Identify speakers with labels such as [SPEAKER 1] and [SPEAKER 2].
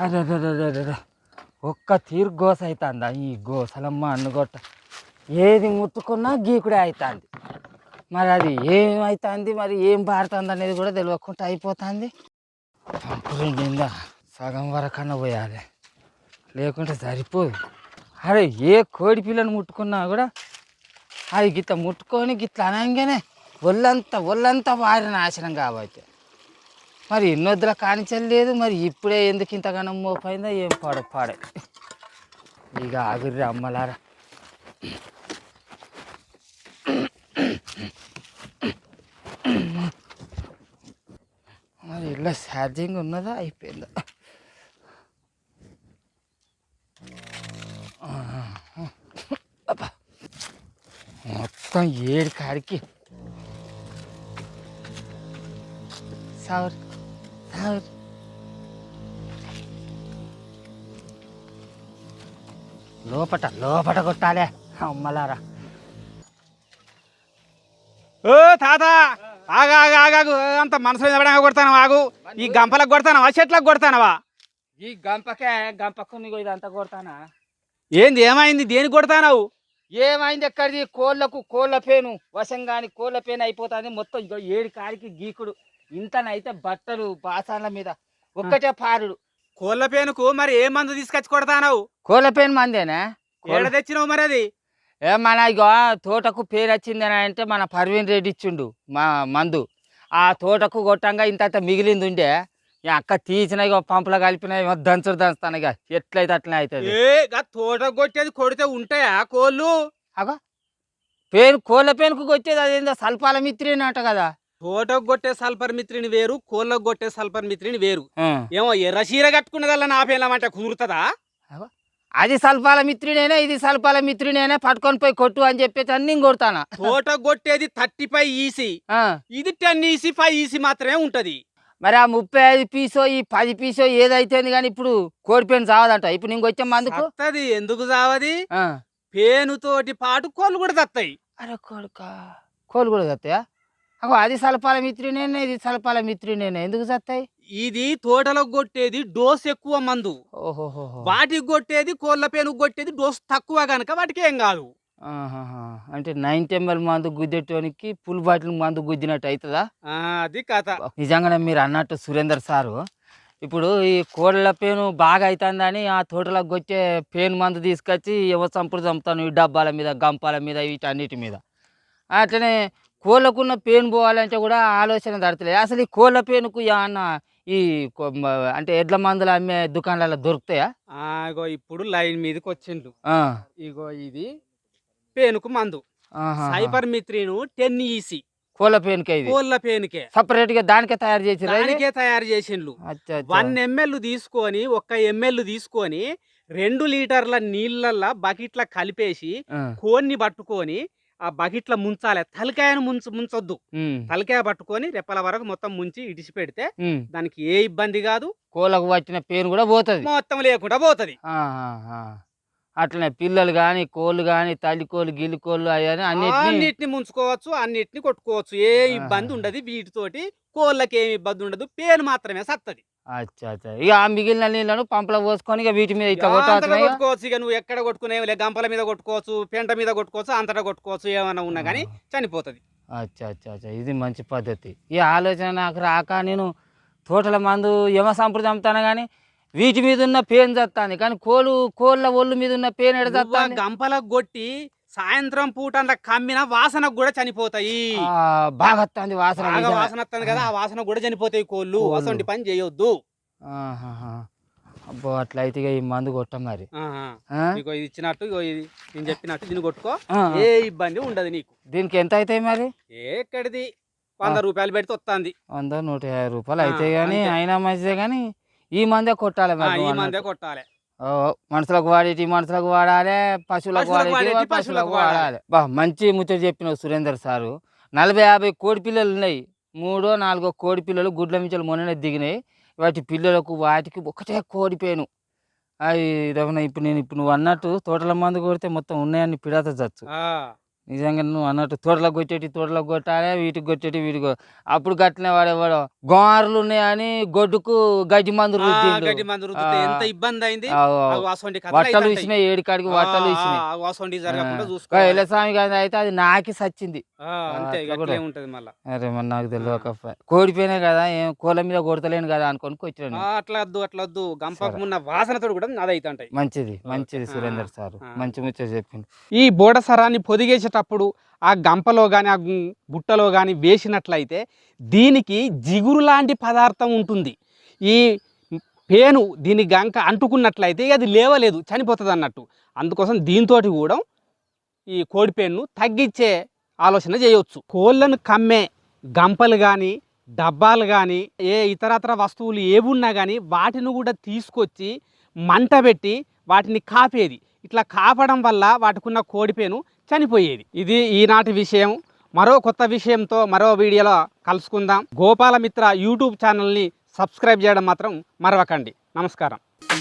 [SPEAKER 1] అరే ఒక్క తీరు గోస అవుతుందా ఈ గోసలమ్మ అన్నుగొట్ట ఏది ముట్టుకున్నా గీకుడే అవుతుంది. మరి అది ఏమవుతుంది, మరి ఏం పారుతుంది అనేది కూడా తెలియకుండా అయిపోతుంది. పంపులు నిండా సగం వరకన్నా పోయాలి, లేకుంటే సరిపోదు. అరే ఏ కోడి పిల్లని ముట్టుకున్నా కూడా అది గిట్ల ముట్టుకొని గిట్ల అనగానే ఒళ్ళంతా వారి నాశనం కాబట్టి మరి ఎన్నొద్దుల కానించలేదు. మరి ఇప్పుడే ఎందుకు ఇంతగానో మోపైందో ఏం పాడే ఇక ఆగుర్రి అమ్మలారా. మరి ఇలా ఛార్జింగ్ ఉన్నదా అయిపోయిందా? మొత్తం 7 కాడికి సార్ లోపట కొట్టాలే అమ్మలారా.
[SPEAKER 2] ఓ తాత ఆగాగు అంత మనసులో నిలబడంగా కొడతాను. ఆగు, ఈ గంపలకు కొడతానవా చెట్లకు కొడతానవా?
[SPEAKER 1] ఈ గంపకు నీకు ఇదంతా కొడతానా?
[SPEAKER 2] ఏంది ఏమైంది, దేనికి కొడతానవు?
[SPEAKER 1] ఏమైంది ఎక్కడిది? కోళ్ళ పేను వశంగాని కోళ్ళ పేను అయిపోతుంది మొత్తం. 7 కాడికి గీకుడు. ఇంతనైతే బట్టలు బాసాన్ల మీద ఒక్కటే పారుడు.
[SPEAKER 2] కోళ్ళ పేనుకు మరి ఏ మందు తీసుకొచ్చి కొడతానవు?
[SPEAKER 1] కోళ్ళ పేను మందేనా?
[SPEAKER 2] ఏడ తెచ్చినావు మరి అది?
[SPEAKER 1] మన ఇక తోటకు పేరు వచ్చిందని అంటే మన పర్వీన్ రెడ్డి ఇచ్చిండు మా మందు. ఆ తోటకు కొట్టంగా ఇంత మిగిలింది ఉండే అక్క తీసిన ఇక పంపులో కలిపిన దంచుతాను ఇక ఎట్లయితే అట్లనే అవుతుంది.
[SPEAKER 2] తోట కొట్టేది కొడితే ఉంటాయా కోళ్ళు?
[SPEAKER 1] అగో కోళ్ళ పేనుకు కొట్టేది అదేందో సల్పాల మిత్రి అంట కదా.
[SPEAKER 2] తోటకు కొట్టే సల్ఫర్ మిత్రిని వేరు, కోళ్ళకు కొట్టే సల్ఫర్ మిత్రిని వేరు. ఏమో ఎర్ర చీర కట్టుకునేదల్లా నా పేలమంటే కుదురుతుందా?
[SPEAKER 1] అది సల్పాల మిత్రుడేనే, ఇది సల్పాల మిత్రుడేనే, పట్టుకొని పోయి కొట్టు అని చెప్పేసి అన్ని కొడతానా.
[SPEAKER 2] తోట కొట్టేది 35 ఈసీ, ఇది 10 ఈసీ 5 ఈసీ మాత్రమే ఉంటది.
[SPEAKER 1] మరి ఆ 35 పీసో ఈ 10 పీసో ఏదైతే కానీ ఇప్పుడు కోడి పేను చావదంట. ఇప్పుడు నీకు వచ్చే మందుకు
[SPEAKER 2] వస్తుంది. ఎందుకు చావది? పేనుతోటి పాటు కోళ్ళు కూడా తత్తాయి.
[SPEAKER 1] అరే కోళ్ళు కూడా తత్తాయా? అగో అది సల్పాల మిత్రుడేనే, ఇది సల్పాల మిత్రుడేనే, ఎందుకు చస్తాయి?
[SPEAKER 2] ఇది తోటలో కొట్టేది డోస్ ఎక్కువ మందు.
[SPEAKER 1] ఓహోహో.
[SPEAKER 2] వాటికి కొట్టేది కోళ్ళ పేనుకు కొట్టేది డోస్ తక్కువ కనుక వాటికి ఏం కాదు.
[SPEAKER 1] అంటే 90 ml మందు గుద్దేటోనికి ఫుల్ బాటిల్ మందు గుద్దినట్టు అవుతుందా?
[SPEAKER 2] అది కథ.
[SPEAKER 1] నిజంగానే మీరు అన్నట్టు సురేందర్ సారు, ఇప్పుడు ఈ కోళ్ళ పేను బాగా అవుతుందని ఆ తోటలకు కొట్టే పేను మందు తీసుకొచ్చి ఎవరు చంపుడు చంపుతాను ఈ డబ్బాల మీద గంపాల మీద వీటన్నిటి మీద. అట్లనే కోళ్ళకున్న పేను పోవాలంటే కూడా ఆలోచన దడతలేదు. అసలు ఈ కోళ్ళ పేనుకు ఏమన్నా ఈ అంటే ఎడ్ల మందులు అమ్మే దుకాణాలలో దొరుకుతాయా?
[SPEAKER 2] ఇగో ఇప్పుడు లైన్ మీదకి వచ్చిండు. ఇగో ఇది పేనుకు మందు సైపర్ మిత్రిను 10 ఈసీ
[SPEAKER 1] కోళ్ళ పేనుకే.
[SPEAKER 2] కోళ్ళ పేనుకే
[SPEAKER 1] సపరేట్ గా దానికే తయారు
[SPEAKER 2] చేసిండ్రు. 1 ml తీసుకొని 1 ml తీసుకొని 2 లీటర్ల నీళ్ళల్లో బకెట్ల కలిపేసి కోన్ని పట్టుకొని ఆ బకెట్ల ముంచాలి. తలకాయను ముంచొద్దు. తలకాయ పట్టుకొని రెప్పల వరకు మొత్తం ముంచి ఇడిచి పెడితే దానికి ఏ ఇబ్బంది కాదు.
[SPEAKER 1] కోళ్ళకు వచ్చిన పేను కూడా పోతుంది,
[SPEAKER 2] మొత్తం లేకుండా పోతుంది.
[SPEAKER 1] అట్లనే పిల్లలు కానీ కోళ్ళు కానీ తల్లి కోళ్ళు గిల్లి కోళ్ళు అవన్నీ
[SPEAKER 2] అన్నిటిని ముంచుకోవచ్చు, అన్నిటిని కొట్టుకోవచ్చు. ఏ ఇబ్బంది ఉండదు వీటితోటి. కోళ్ళకి ఏమి ఇబ్బంది ఉండదు, పేను మాత్రమే సత్తది.
[SPEAKER 1] అచ్చా ఇక ఆ మిగిలిన నీళ్ళను పంపలో పోసుకొని ఇక వీటి మీద ఇట్లా
[SPEAKER 2] కొట్టుకోవచ్చు. ఇక నువ్వు ఎక్కడ కొట్టుకునే గంపల మీద కొట్టుకోవచ్చు, పెంట మీద కొట్టుకోవచ్చు, అంతటా కొట్టుకోవచ్చు. ఏమైనా ఉన్నా కానీ చనిపోతుంది.
[SPEAKER 1] అచ్చా ఇది మంచి పద్ధతి. ఈ ఆలోచన నాకు రాక నేను తోటల మందు యమ సంప్రదాయం చంపుతాను కానీ వీటి మీద ఉన్న పేను చస్తాను కానీ కోళ్ళ ఒళ్ళు మీద ఉన్న పేను ఎడతాను.
[SPEAKER 2] గంపలకు కొట్టి సాయంత్రం పూట కమ్మిన వాసనకు కూడా చనిపోతాయి.
[SPEAKER 1] బాగా వస్తుంది వాసన
[SPEAKER 2] వస్తుంది కదా, ఆ వాసన కూడా చనిపోతాయి కోళ్ళు. అసలు పని చేయొద్దు.
[SPEAKER 1] అబ్బో అట్లయితే ఈ మందు కొట్టాం మరి.
[SPEAKER 2] ఇది ఇచ్చినట్టు ఇది నేను చెప్పినట్టు దీన్ని కొట్టుకో, ఏ ఇబ్బంది ఉండదు నీకు.
[SPEAKER 1] దీనికి ఎంత అవుతాయి మరి?
[SPEAKER 2] ఎక్కడిది 100 రూపాయలు పెడితే వస్తుంది.
[SPEAKER 1] 100 150 రూపాయలు అయితే గానీ అయినా మంచిదే గానీ ఈ మందే కొట్టాలి.
[SPEAKER 2] ఈ మందే కొట్టాలి.
[SPEAKER 1] మనుషులకు వాడేటి మనుషులకు వాడాలి, పశువులకు వాడేటి పశువులకు వాడాలి. మంచి ముచ్చట చెప్పిన సురేందర్ సారు. 40-50 కోడి పిల్లలు ఉన్నాయి. 3-4 కోడి పిల్లలు గుడ్ల మించలు మొన్ననే దిగినాయి. వాటి పిల్లలకు వాటికి ఒకటే కోడిపోయాను. అవి ఇప్పుడు నువ్వు అన్నట్టు తోటల మందు కొడితే మొత్తం ఉన్నాయని పిడత చచ్చు. నిజంగా నువ్వు అన్నట్టు తోటలకు కొట్టాలి, వీటికి వీటికి అప్పుడు కట్టిన వాడేవాడు గోమార్లు ఉన్నాయని గొడ్డుకు గడ్డి మందు రుద్దిండు.
[SPEAKER 2] గడ్డి మందు రుద్దితే ఎంత ఇబ్బంది అయింది.
[SPEAKER 1] వట్టలు ఇచ్చినాయి, ఏడికాడికి వట్టలు ఇచ్చినాయి. ఎల్లస్వామి గారి అయితే అది నాకి సచ్చింది. అరే మరి నాకు తెలియక కోడిపోయినా కదా, ఏం కోళ్ళ మీద కొడతలేను కదా అనుకొని కొట్టాను.
[SPEAKER 2] అట్లా వద్దు గంపకు ఉన్న వాసనతో కూడా అది అయితే
[SPEAKER 1] మంచిది సురేందర్ సార్ మంచి ముచ్చట చెప్పింది.
[SPEAKER 2] ఈ బోడసరాన్ని పొదిగేసేటప్పుడు ఆ గంపలో కానీ ఆ బుట్టలో కానీ వేసినట్లయితే దీనికి జిగురు లాంటి పదార్థం ఉంటుంది. ఈ పేను దీని గంక అంటుకున్నట్లయితే అది లేవలేదు, చనిపోతుంది అన్నట్టు. అందుకోసం దీంతో కూడా ఈ కోడి పేనును తగ్గించే ఆలోచన చేయవచ్చు. కోళ్ళను కమ్మే గంపలు కానీ డబ్బాలు కానీ ఏ ఇతరత్ర వస్తువులు ఏవి ఉన్నా కానీ వాటిని కూడా తీసుకొచ్చి మంట పెట్టి వాటిని కాపేది. ఇట్లా కాపడం వల్ల వాటికున్న కోడిపేను చనిపోయేది. ఇది ఈనాటి విషయం. మరో కొత్త విషయంతో మరో వీడియోలో కలుసుకుందాం. గోపాలమిత్ర యూట్యూబ్ ఛానల్ని సబ్స్క్రైబ్ చేయడం మాత్రం మరవకండి. నమస్కారం.